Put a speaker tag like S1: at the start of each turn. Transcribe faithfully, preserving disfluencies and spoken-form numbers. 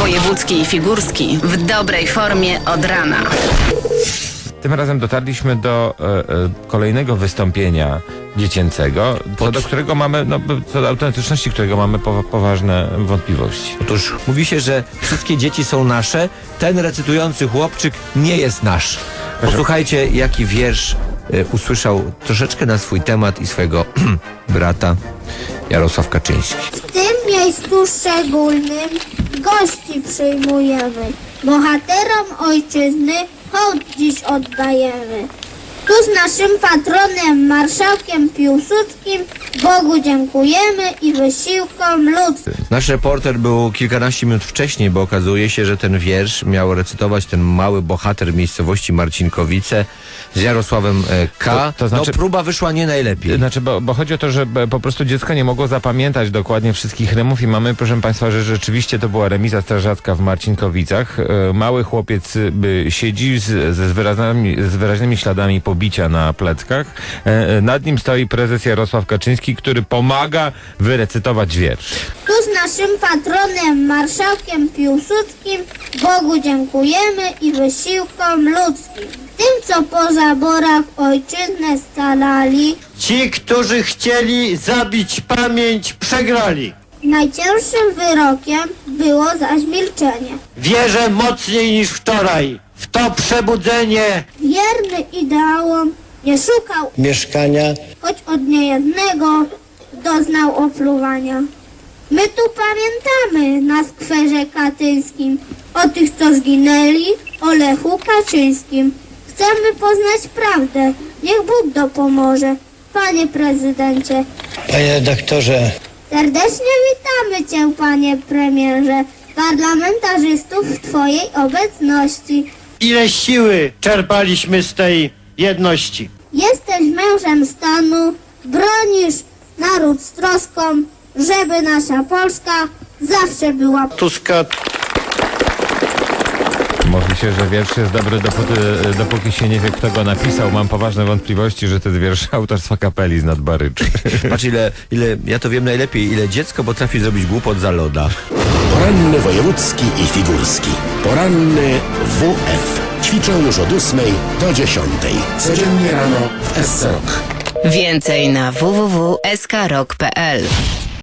S1: Wojewódzki i Figurski w dobrej formie od rana.
S2: Tym razem dotarliśmy do e, e, kolejnego wystąpienia dziecięcego, co do którego mamy, no, co do autentyczności którego mamy po, poważne wątpliwości.
S3: Otóż mówi się, że wszystkie dzieci są nasze, ten recytujący chłopczyk nie jest nasz. Posłuchajcie, jaki wiersz y, usłyszał troszeczkę na swój temat i swojego brata Jarosław Kaczyński.
S4: W tym miejscu szczególnym gości przyjmujemy. Bohaterom ojczyzny hołd dziś oddajemy. Tu z naszym patronem, marszałkiem Piłsudskim, Bogu dziękujemy i wysiłkom ludzkim.
S3: Nasz reporter był kilkanaście minut wcześniej, bo okazuje się, że ten wiersz miał recytować ten mały bohater miejscowości Marcinkowice z Jarosławem e, K.
S2: To, to znaczy,
S3: no próba wyszła nie najlepiej.
S2: Znaczy, bo, bo chodzi o to, że po prostu dziecko nie mogło zapamiętać dokładnie wszystkich rymów i mamy, proszę Państwa, że rzeczywiście to była remiza strażacka w Marcinkowicach. E, mały chłopiec by siedzi z, ze z, wyraźnymi, z wyraźnymi śladami pobicia na pleckach. E, nad nim stoi prezes Jarosław Kaczyński, który pomaga wyrecytować wiersz.
S4: Tu z naszym patronem, marszałkiem Piłsudskim, Bogu dziękujemy i wysiłkom ludzkim. Tym, co po zaborach ojczyznę scalali,
S5: ci, którzy chcieli zabić pamięć, przegrali.
S4: najcięższym wyrokiem było zaś milczenie.
S5: Wierzę mocniej niż wczoraj w to przebudzenie.
S4: Wierny ideałom nie szukał
S6: mieszkania,
S4: choć od niejednego doznał opluwania. My tu pamiętamy na skwerze katyńskim o tych, co zginęli, o Lechu Kaczyńskim. Chcemy poznać prawdę, niech Bóg dopomoże. Panie prezydencie,
S6: panie redaktorze,
S4: serdecznie witamy cię, panie premierze, parlamentarzystów w twojej obecności.
S5: Ile siły czerpaliśmy z tej jedności.
S4: Jesteś mężem stanu, bronisz naród z troską, żeby nasza Polska zawsze była.
S5: Tuska.
S2: Mówi się, że wiersz jest dobry dopóty, dopóki się nie wie, kto go napisał. Mam poważne wątpliwości, że to jest wiersz autorstwa Kapeli z Nadbaryczy.
S3: Patrz, ile, ile, ja to wiem najlepiej, ile dziecko potrafi zrobić głupot za loda.
S7: Poranny wojewódzki i figurski. Poranny W F. Ćwiczą już od ósmej do dziesiątej. Codziennie rano w S C Rock.
S1: Więcej na w w w kropka s k rock kropka p l.